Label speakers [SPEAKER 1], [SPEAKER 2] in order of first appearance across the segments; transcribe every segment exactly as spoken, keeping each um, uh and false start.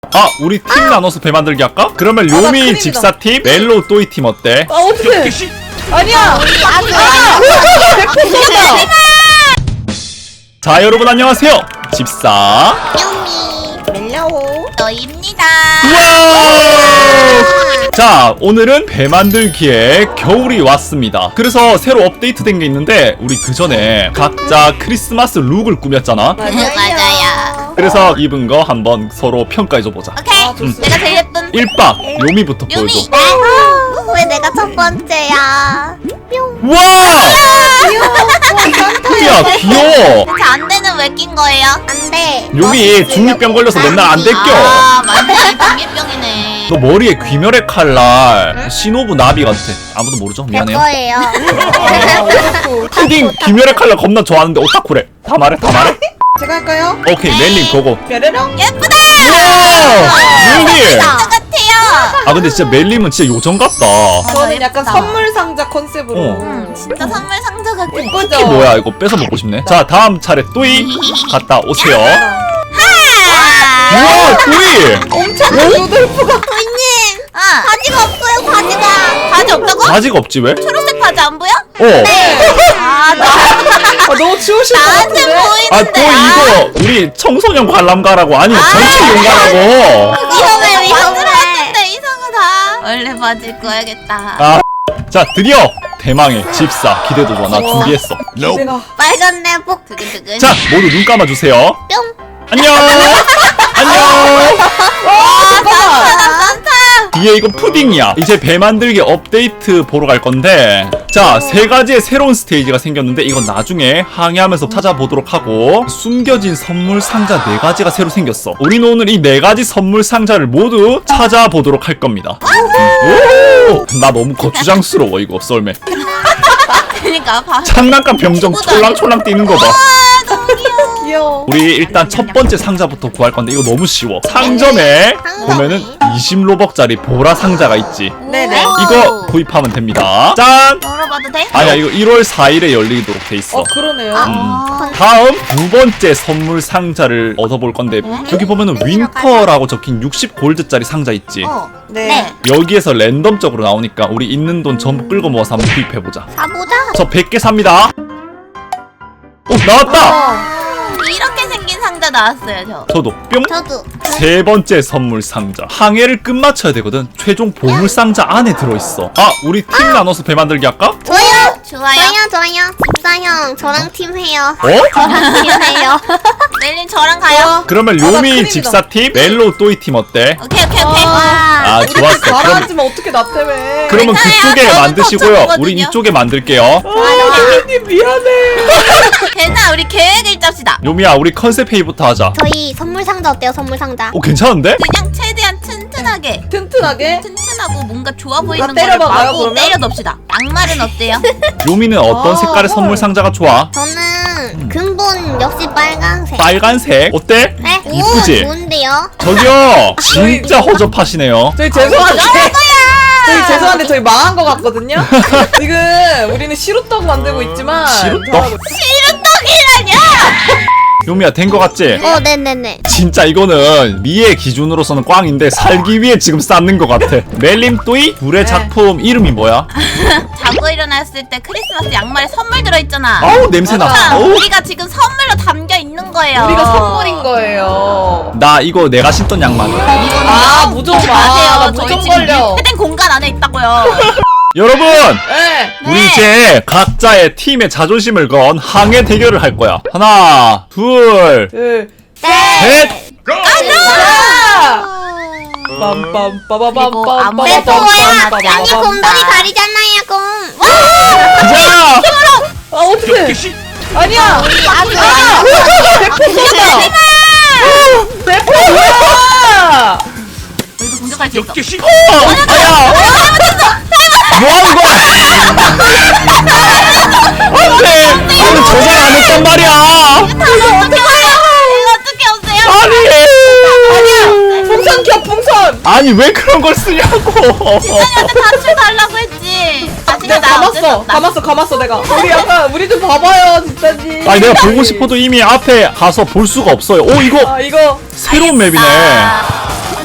[SPEAKER 1] 아, 우리 팀 나눠서 배 만들기 할까? 그러면
[SPEAKER 2] 아, 나
[SPEAKER 1] 료미
[SPEAKER 2] 큰일이다.
[SPEAKER 1] 집사팀, 멜로 또이팀 어때?
[SPEAKER 2] 아 어떡해. 아니야. 백 퍼센트 쏜다.
[SPEAKER 1] 자, 여러분 안녕하세요. 집사.
[SPEAKER 3] 묘미 멜로우 너입니다.
[SPEAKER 1] 우와! 자, 오늘은 배 만들기에 겨울이 왔습니다. 그래서 새로 업데이트된 게 있는데 우리 그 전에 각자 크리스마스 룩을 꾸몄잖아.
[SPEAKER 3] 맞아요.
[SPEAKER 1] 그래서 입은 거 한번 서로 평가해줘보자.
[SPEAKER 3] 오케이.
[SPEAKER 2] 아, 좋습니다.
[SPEAKER 3] 내가 제일 예쁜
[SPEAKER 1] 일 박 료미부터
[SPEAKER 3] 묘미.
[SPEAKER 1] 보여줘.
[SPEAKER 3] 아, 왜 내가 첫 번째야? 뿅.
[SPEAKER 1] 와! 야, 귀여워.
[SPEAKER 3] 대체 안대는 왜 낀 거예요? 안돼.
[SPEAKER 1] 료미 중이병 걸려서 맨날 안 떼껴.
[SPEAKER 3] 아 맞네. 중이병이네.
[SPEAKER 1] 너 머리에 귀멸의 칼날 시노부 나비 같아. 아무도 모르죠? 미안해요.
[SPEAKER 3] 거예요.
[SPEAKER 1] 푸딩 귀멸의 칼날 겁나 좋아하는데 오타쿠래. 다 말해, 다 말해.
[SPEAKER 2] 제가 할까요?
[SPEAKER 1] 오케이, 멜링 보고.
[SPEAKER 2] 뾰로롱.
[SPEAKER 3] 예쁘다.
[SPEAKER 1] 우와! 멜링!
[SPEAKER 3] 진짜 같아요.
[SPEAKER 1] 아 근데 진짜 멜림은 진짜 요정 같다.
[SPEAKER 2] 저는
[SPEAKER 3] 예쁘다.
[SPEAKER 2] 약간 선물 상자 컨셉으로.
[SPEAKER 1] 어.
[SPEAKER 3] 음, 진짜 선물 상자 같아.
[SPEAKER 2] 예쁘죠?
[SPEAKER 1] 이게 뭐야, 이거 뺏어 먹고 싶네. 자, 다음 차례 또이 갔다 오세요. 우와, 또이!
[SPEAKER 2] 엄청 루돌프가.
[SPEAKER 3] 도희님. 아 바지가 없어요. 바지가. 바지 없다고?
[SPEAKER 1] 바지가 없지 왜?
[SPEAKER 3] 초록색 바지 안 보여?
[SPEAKER 1] 어.
[SPEAKER 3] 아 나.
[SPEAKER 2] 아, 너무 추우실 것
[SPEAKER 3] 나한테
[SPEAKER 2] 같은데.
[SPEAKER 3] 보이는데.
[SPEAKER 1] 아, 또 이거 우리 청소년 관람가라고 아니면 전체 용가라고.
[SPEAKER 3] 위험해 위험해. 들어왔는데 이상하다. 원래 바지 입고 와야겠다.
[SPEAKER 1] 아, 자, 드디어 대망의 집사 기대도 좋아. 나
[SPEAKER 2] 우와.
[SPEAKER 1] 준비했어.
[SPEAKER 2] 내가
[SPEAKER 3] 빨간 내복 두근두근.
[SPEAKER 1] 자, 모두 눈 감아주세요.
[SPEAKER 3] 뿅.
[SPEAKER 1] 안녕. 안녕.
[SPEAKER 3] 아 산타다 산타.
[SPEAKER 1] 뒤에 이거 푸딩이야. 이제 배 만들기 업데이트 보러 갈 건데, 자, 세 가지의 새로운 스테이지가 생겼는데 이건 나중에 항해하면서 찾아보도록 하고, 숨겨진 선물 상자 네 가지가 새로 생겼어. 우리는 오늘 이 네 가지 선물 상자를 모두 찾아보도록 할 겁니다. 오! 나 너무 거추장스러워 이거 썰매.
[SPEAKER 3] 그러니까 봐.
[SPEAKER 1] 장난감 병정 촐랑촐랑 뛰는 거 봐.
[SPEAKER 3] 아 너무 귀여워.
[SPEAKER 2] 귀여워.
[SPEAKER 1] 우리 일단 첫 번째 상자부터 구할 건데 이거 너무 쉬워. 상점에 보면은 이십 로벅짜리 보라 상자가 있지.
[SPEAKER 2] 네네.
[SPEAKER 1] 이거 구입하면 됩니다. 짠!
[SPEAKER 3] 열어봐도 돼?
[SPEAKER 1] 아니야, 이거 일월 사일에 열리도록 돼 있어.
[SPEAKER 2] 어 그러네요.
[SPEAKER 3] 아.
[SPEAKER 1] 다음 두 번째 선물 상자를 얻어볼 건데, 여기 보면은 윈터라고 적힌 육십 골드짜리 상자 있지.
[SPEAKER 3] 어.
[SPEAKER 2] 네.
[SPEAKER 3] 네.
[SPEAKER 1] 여기에서 랜덤적으로 나오니까 우리 있는 돈 전부 끌고 모아서 한번 구입해보자.
[SPEAKER 3] 사보자.
[SPEAKER 1] 저 백 개 삽니다. 오, 나왔다!
[SPEAKER 2] 어.
[SPEAKER 3] 이렇게 생긴 상자 나왔어요 저.
[SPEAKER 1] 저도 뿅!
[SPEAKER 3] 저도.
[SPEAKER 1] 세 번째 선물 상자. 항해를 끝마쳐야 되거든. 최종 보물 상자 안에 들어있어. 아, 우리 팀 나눠서 배 만들기 할까?
[SPEAKER 3] 좋아요. 좋아요.
[SPEAKER 4] 좋아요 좋아요 집사 형 저랑 팀 해요
[SPEAKER 1] 어?
[SPEAKER 4] 저랑 팀 해요
[SPEAKER 3] 멜린 저랑 가요.
[SPEAKER 1] 그러면
[SPEAKER 2] 아, 나
[SPEAKER 1] 료미
[SPEAKER 2] 큰일이다.
[SPEAKER 1] 집사팀, 멜로 또이팀 어때?
[SPEAKER 3] 오케이 오케이 오케이.
[SPEAKER 1] 아,
[SPEAKER 2] 우리
[SPEAKER 1] 좋았어. 그럼,
[SPEAKER 2] 가라앉으면 어떻게 나 때문에.
[SPEAKER 1] 그러면
[SPEAKER 3] 괜찮아요.
[SPEAKER 1] 그쪽에
[SPEAKER 3] 저는
[SPEAKER 1] 만드시고요.
[SPEAKER 3] 거쳐보거든요.
[SPEAKER 1] 우린 이쪽에 만들게요.
[SPEAKER 2] 아, 님 미안해.
[SPEAKER 3] 괜찮아 우리 계획을 짭시다.
[SPEAKER 1] 요미야, 우리 컨셉 회의부터 하자.
[SPEAKER 4] 저희 선물 상자 어때요 선물 상자
[SPEAKER 1] 오, 괜찮은데?
[SPEAKER 3] 그냥 최대한 튼튼하게.
[SPEAKER 2] 튼튼하게.
[SPEAKER 3] 튼튼하고 뭔가 좋아 보이는
[SPEAKER 2] 나
[SPEAKER 3] 거를
[SPEAKER 2] 때려봐봐요,
[SPEAKER 3] 마구
[SPEAKER 2] 그러면?
[SPEAKER 3] 때려놉시다. 양말은 어때요?
[SPEAKER 1] 요미는 어떤
[SPEAKER 2] 아,
[SPEAKER 1] 색깔의
[SPEAKER 2] 헐.
[SPEAKER 1] 선물 상자가 좋아?
[SPEAKER 4] 저는 근본 역시 빨간색
[SPEAKER 1] 빨간색. 어때?
[SPEAKER 4] 네?
[SPEAKER 1] 이쁘지?
[SPEAKER 4] 오 좋은데요
[SPEAKER 1] 저기요, 진짜 허접하시네요.
[SPEAKER 2] 저희 죄송한데. 저희 죄송한데 저희 망한 것 같거든요. 지금 우리는 시루떡 만들고 있지만.
[SPEAKER 1] 시루떡?
[SPEAKER 2] 저하고-
[SPEAKER 1] 요미야, 된 거 같지?
[SPEAKER 4] 어 네네네
[SPEAKER 1] 진짜 이거는 미의 기준으로서는 꽝인데 살기 위해 지금 쌓는 것 같아. 멜림 또이 둘의
[SPEAKER 2] 네.
[SPEAKER 1] 작품 이름이 뭐야?
[SPEAKER 3] 자고 일어났을 때 크리스마스 양말에 선물 들어있잖아.
[SPEAKER 1] 아우, 냄새나.
[SPEAKER 3] 자,
[SPEAKER 1] 어우.
[SPEAKER 3] 우리가 지금 선물로 담겨 있는 거예요.
[SPEAKER 2] 우리가 선물인 거예요.
[SPEAKER 1] 나 이거 내가 신던 양말.
[SPEAKER 2] 아 무좀 마.
[SPEAKER 3] 마세요.
[SPEAKER 2] 나
[SPEAKER 3] 저희
[SPEAKER 2] 무좀
[SPEAKER 3] 지금
[SPEAKER 2] 걸려.
[SPEAKER 3] 밀폐된 공간 안에 있다고요.
[SPEAKER 1] 여러분!
[SPEAKER 2] 네.
[SPEAKER 1] 우리
[SPEAKER 3] 네.
[SPEAKER 1] 이제 각자의 팀의 자존심을 건 항해 대결을 할 거야. 하나, 둘,
[SPEAKER 2] 둘.
[SPEAKER 1] 셋!
[SPEAKER 2] 아!
[SPEAKER 3] 그리고
[SPEAKER 2] 빰빰빠바밤빰.
[SPEAKER 3] 네, 또 와요.
[SPEAKER 4] 아니 곰돌이 가리잖아요 곰
[SPEAKER 1] 가자!
[SPEAKER 2] 아 어떡해. 아니야.
[SPEAKER 4] 아
[SPEAKER 2] 백 퍼센트 쏜다. 백 퍼센트 뭐야?
[SPEAKER 3] 우리도 공격할 수 있어.
[SPEAKER 1] 어! 아야! 뭐 하는 거야? 안 돼! 나는 저장 안 했단 말이야!
[SPEAKER 3] 이거 어떻게 없어요?
[SPEAKER 1] 아니!
[SPEAKER 2] 풍선 켜 풍선.
[SPEAKER 1] 아니, 왜 그런 걸 쓰냐고!
[SPEAKER 3] 지san이한테 다쳐 달라고 했지.
[SPEAKER 2] 내가 감았어. 감았어 감았어 내가. 우리 약간 우리 좀 봐봐요 진짜지.
[SPEAKER 1] 아니, 내가 보고 싶어도 이미 앞에 가서 볼 수가 없어요. 오, 이거
[SPEAKER 2] 아 이거
[SPEAKER 1] 새로운 맵이네.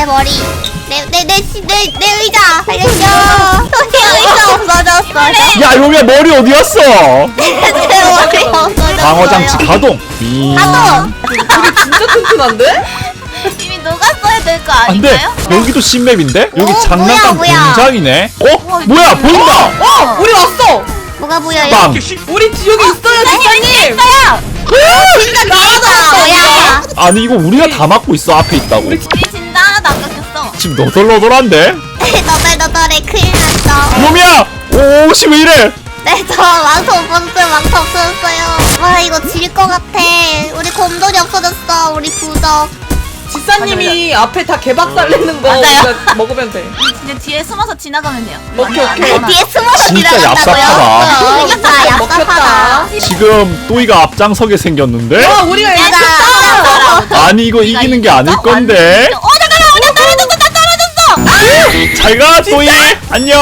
[SPEAKER 4] 내 머리. 내 내 내 내 내 의자. 살려줘. 내 의자 없어졌어요.
[SPEAKER 1] 야 용이야 머리 어디 갔어?
[SPEAKER 4] 내 머리 없어졌어요.
[SPEAKER 1] 방어장치 가동. 이...
[SPEAKER 4] 가동.
[SPEAKER 2] 우리 진짜 튼튼한데?
[SPEAKER 3] 이미 녹았어야 될 거
[SPEAKER 1] 안돼.
[SPEAKER 3] 아닌가요?
[SPEAKER 1] 여기도 신맵인데? 여기
[SPEAKER 4] 어,
[SPEAKER 1] 장난감
[SPEAKER 4] 뭐야, 뭐야.
[SPEAKER 1] 공장이네. 어?
[SPEAKER 3] 와,
[SPEAKER 1] 뭐야
[SPEAKER 3] 이거
[SPEAKER 1] 보인다.
[SPEAKER 2] 어! 우리 왔어!
[SPEAKER 4] 뭐가 보여요?
[SPEAKER 1] 빵.
[SPEAKER 2] 우리 지옥에 있어요 지사님!
[SPEAKER 4] 진짜 나가다. 뭐야?
[SPEAKER 1] 아니 이거 우리가 다 막고 있어. 앞에 있다고.
[SPEAKER 3] 우리 진짜 하나도 안 깎였어.
[SPEAKER 1] 지금 너덜너덜한데?
[SPEAKER 4] 너덜너덜해 큰일 났어.
[SPEAKER 1] 용이야. 오 옷이 왜 이래?
[SPEAKER 4] 네, 저 망토 없었어요. 망토 없어졌어요. 와, 이거 질 것 같아. 우리 곰돌이 없어졌어. 우리 부적.
[SPEAKER 2] 지사님이 앞에 다 개박살 내는 거
[SPEAKER 3] 맞아요.
[SPEAKER 2] 우리가 먹으면 돼.
[SPEAKER 3] 이제 뒤에 숨어서 지나가면 돼요.
[SPEAKER 2] 오케이,
[SPEAKER 3] 안
[SPEAKER 2] 오케이.
[SPEAKER 3] 나가나.
[SPEAKER 4] 뒤에 숨어서
[SPEAKER 1] 진짜
[SPEAKER 4] 지나간다고요?
[SPEAKER 1] 얍삽하다.
[SPEAKER 4] 그러니까
[SPEAKER 2] 먹혔다.
[SPEAKER 4] 얍삽하다.
[SPEAKER 1] 지금 또이가 앞장서게 생겼는데?
[SPEAKER 2] 와 우리가
[SPEAKER 3] 내가
[SPEAKER 2] 이겼다!
[SPEAKER 1] 아니 이거 이기는 게 아닐 건데.
[SPEAKER 3] 어 잠깐만 우리 떨어졌어 나 떨어졌어.
[SPEAKER 1] 잘 가 또이. 안녕.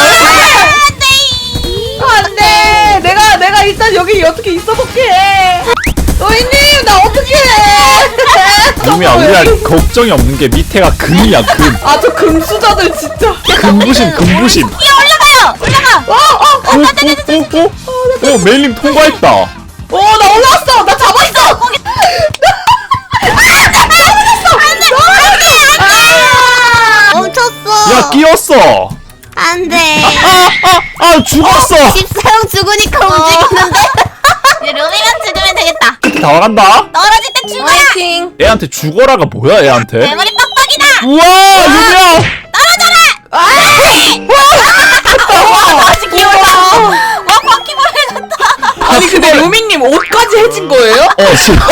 [SPEAKER 2] 안돼! 내가 내가 일단 여기 어떻게 있어볼게. 노인님 나 어떻게 해?
[SPEAKER 1] 용이야 우리가 걱정이 없는 게 밑에가 금이야 금.
[SPEAKER 2] 아저 금수저들 진짜.
[SPEAKER 1] 금부심 금부심.
[SPEAKER 3] 뛰어 올라가요. 올라가.
[SPEAKER 1] 오오오오 오 메일님 통과했다.
[SPEAKER 2] 어나 올라왔어. 나 잡았어.
[SPEAKER 3] 거기
[SPEAKER 4] 멈췄어.
[SPEAKER 1] 야 끼었어.
[SPEAKER 4] 안 돼.
[SPEAKER 1] 아아아 죽었어.
[SPEAKER 4] 집사형 죽으니까 움직이는데?
[SPEAKER 3] 이제 루미만 죽으면 되겠다.
[SPEAKER 1] 다 와간다.
[SPEAKER 3] 떨어질 때 죽어라.
[SPEAKER 2] 화이팅.
[SPEAKER 1] 애한테 죽어라가 뭐야
[SPEAKER 3] 내
[SPEAKER 1] 애한테?
[SPEAKER 3] 머리 빡빡이다.
[SPEAKER 1] 우와 유미야.
[SPEAKER 3] 아직 귀여워. 와 바퀴벌레 같다.
[SPEAKER 2] 아니 근데 루미님 옷까지 해진 거예요?
[SPEAKER 1] 어 진짜.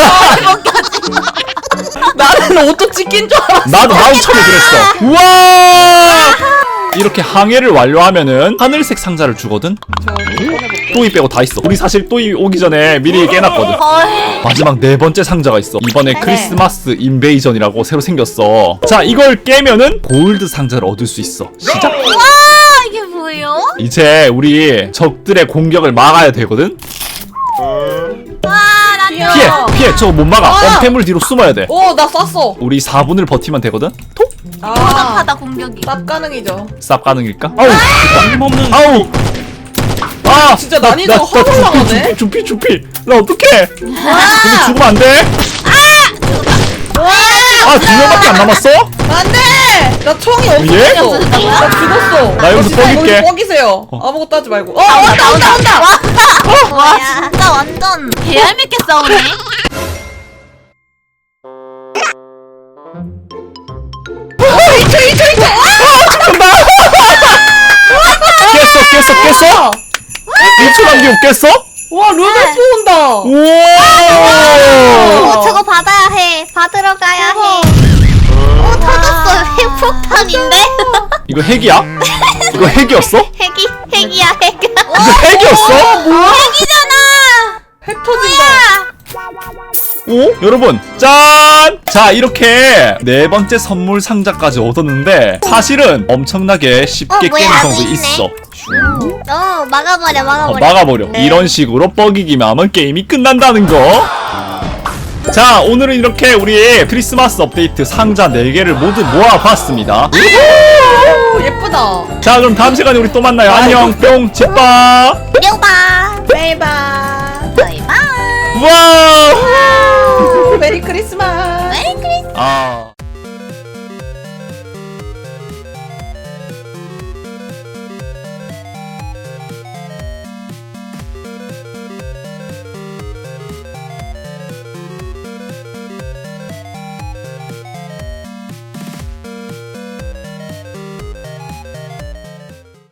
[SPEAKER 2] 나는 옷도 찢긴 줄 알았어.
[SPEAKER 1] 나도 나도 처음에 그랬어. 우와. 이렇게 항해를 완료하면은 하늘색 상자를 주거든.
[SPEAKER 2] 저 꺼내볼게.
[SPEAKER 1] 또이 빼고 다 있어. 우리 사실 또이 오기 전에 미리 깨놨거든.
[SPEAKER 3] 헐.
[SPEAKER 1] 마지막 네 번째 상자가 있어. 이번에
[SPEAKER 2] 네네.
[SPEAKER 1] 크리스마스 인베이전이라고 새로 생겼어. 자, 이걸 깨면은 골드 상자를 얻을 수 있어. 시작.
[SPEAKER 3] 와 이게 뭐예요?
[SPEAKER 1] 이제 우리 적들의 공격을 막아야 되거든.
[SPEAKER 3] 와나
[SPEAKER 2] 귀여워.
[SPEAKER 1] 피해, 피해. 저거 못 막아.
[SPEAKER 2] 아!
[SPEAKER 1] 엄폐물 뒤로 숨어야 돼.
[SPEAKER 2] 오나 쐈어.
[SPEAKER 1] 우리 사 분을 버티면 되거든. 톡.
[SPEAKER 2] 아
[SPEAKER 3] 허접하다 공격이.
[SPEAKER 2] 쌉 가능이죠.
[SPEAKER 1] 쌉 가능일까? 아우, 됐다. 아우. 아,
[SPEAKER 2] 진짜 난이도가 확 올라가네.
[SPEAKER 1] 주피, 주피, 주피. 나 어떡해? 근데 죽으면 안 돼. 아, 두 명밖에 안 남았어?
[SPEAKER 2] 안돼. 나 총이
[SPEAKER 1] 예?
[SPEAKER 2] 없었어. 나 죽었어.
[SPEAKER 1] 나 여기서
[SPEAKER 2] 진짜
[SPEAKER 1] 뻑일게.
[SPEAKER 2] 여기 뻑이세요. 아무것도 하지 말고. 어 온다 온다 온다.
[SPEAKER 3] 와 진짜 완전 개얄밉게 싸우네.
[SPEAKER 2] 이초 이초 이초.
[SPEAKER 1] 깼어, 깼어, 깼어? 일 초 남기고 깼어?
[SPEAKER 2] 와 루돌프 온다.
[SPEAKER 1] 우와!
[SPEAKER 4] 어, 저거 받아야 해. 받으러 가야 해. 오, 터졌어. 핵폭탄인데?
[SPEAKER 1] 이거 핵이야? 이거 핵이었어?
[SPEAKER 4] 핵이, 핵이야, 핵.
[SPEAKER 1] 이거 핵이었어?
[SPEAKER 3] 핵이잖아.
[SPEAKER 2] 핵 터진다.
[SPEAKER 1] 오? 여러분, 짠! 자, 이렇게 네 번째 선물 상자까지 얻었는데 사실은 엄청나게 쉽게
[SPEAKER 4] 어, 뭐야,
[SPEAKER 1] 깨는
[SPEAKER 4] 아직
[SPEAKER 1] 방법이
[SPEAKER 4] 있네.
[SPEAKER 1] 있어.
[SPEAKER 4] 어, 막아버려,
[SPEAKER 1] 어,
[SPEAKER 4] 막아버려.
[SPEAKER 1] 막아버려.
[SPEAKER 4] 네.
[SPEAKER 1] 이런 식으로 뻐기기만 하면 게임이 끝난다는 거. 자, 오늘은 이렇게 우리 크리스마스 업데이트 상자 네 개를 모두 모아봤습니다.
[SPEAKER 2] 오 예쁘다.
[SPEAKER 1] 자, 그럼 다음 시간에 우리 또 만나요. 안녕, 뿅, 제빠.
[SPEAKER 4] 뿅바.
[SPEAKER 2] 바이바이.
[SPEAKER 3] 바이바이.
[SPEAKER 1] 우와!
[SPEAKER 2] 메리 크리스마스.
[SPEAKER 3] 메리 크리스마스.
[SPEAKER 1] 아.